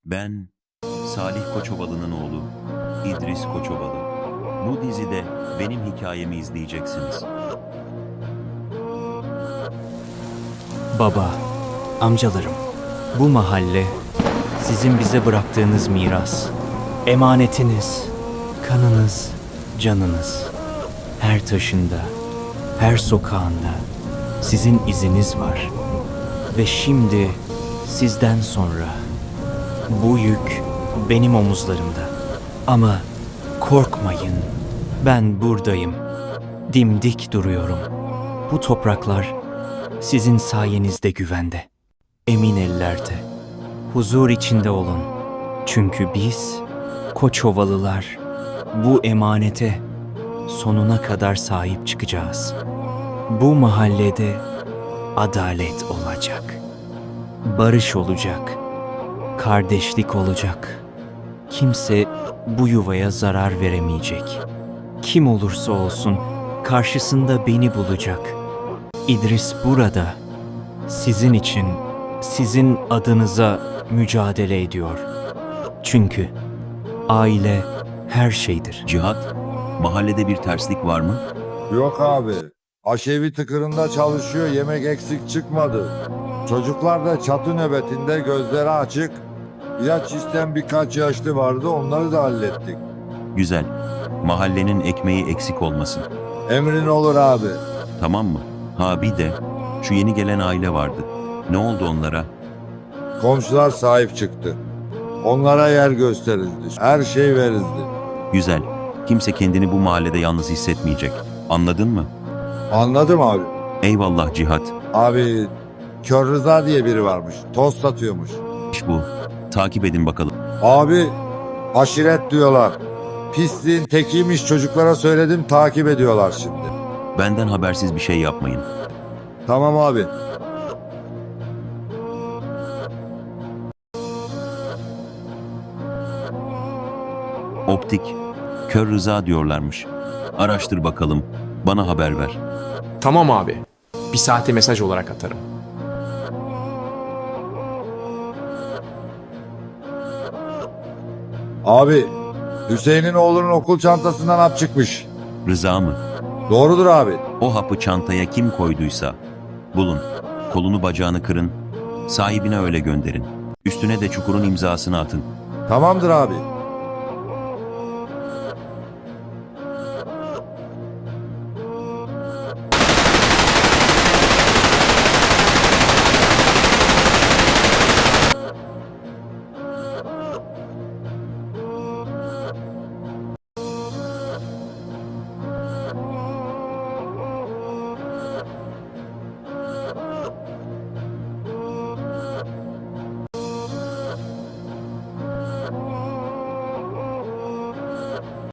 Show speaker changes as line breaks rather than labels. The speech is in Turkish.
Ben Salih Koçovalı'nın oğlu İdris Koçovalı. Bu dizide benim hikayemi izleyeceksiniz.
Baba, amcalarım, bu mahalle sizin bize bıraktığınız miras, emanetiniz, kanınız, canınız. Her taşında, her sokağında sizin iziniz var. Ve şimdi sizden sonra bu yük benim omuzlarımda. Ama korkmayın, ben buradayım. Dimdik duruyorum. Bu topraklar sizin sayenizde güvende. Emin ellerde, huzur içinde olun. Çünkü biz, Koçovalılar, bu emanete sonuna kadar sahip çıkacağız. Bu mahallede adalet olacak. Barış olacak. Kardeşlik olacak. Kimse bu yuvaya zarar veremeyecek. Kim olursa olsun karşısında beni bulacak. İdris burada. Sizin için, sizin adınıza mücadele ediyor. Çünkü aile her şeydir.
Cihat, mahallede bir terslik var mı?
Yok abi. Aşevi tıkırında çalışıyor, yemek eksik çıkmadı. Çocuklar da çatı nöbetinde, gözleri açık. İlaç isteyen birkaç yaşlı vardı, onları da hallettik.
Güzel. Mahallenin ekmeği eksik olmasın.
Emrin olur abi.
Tamam mı? Ha bir de şu yeni gelen aile vardı. Ne oldu onlara?
Komşular sahip çıktı. Onlara yer gösterildi. Her şey verildi.
Güzel. Kimse kendini bu mahallede yalnız hissetmeyecek. Anladın mı?
Anladım abi.
Eyvallah Cihat.
Abi Kör Rıza diye biri varmış. Toz satıyormuş.
İş bu. Takip edin bakalım.
Abi aşiret diyorlar. Pisliğin tekiymiş, çocuklara söyledim, takip ediyorlar şimdi.
Benden habersiz bir şey yapmayın.
Tamam abi.
Optik, Kör Rıza diyorlarmış. Araştır bakalım. Bana haber ver.
Tamam abi. Bir saate mesaj olarak atarım.
Abi Hüseyin'in oğlunun okul çantasından hap çıkmış.
Rıza mı?
Doğrudur abi.
O hapı çantaya kim koyduysa bulun. Kolunu bacağını kırın. Sahibine öyle gönderin. Üstüne de Çukur'un imzasını atın.
Tamamdır abi.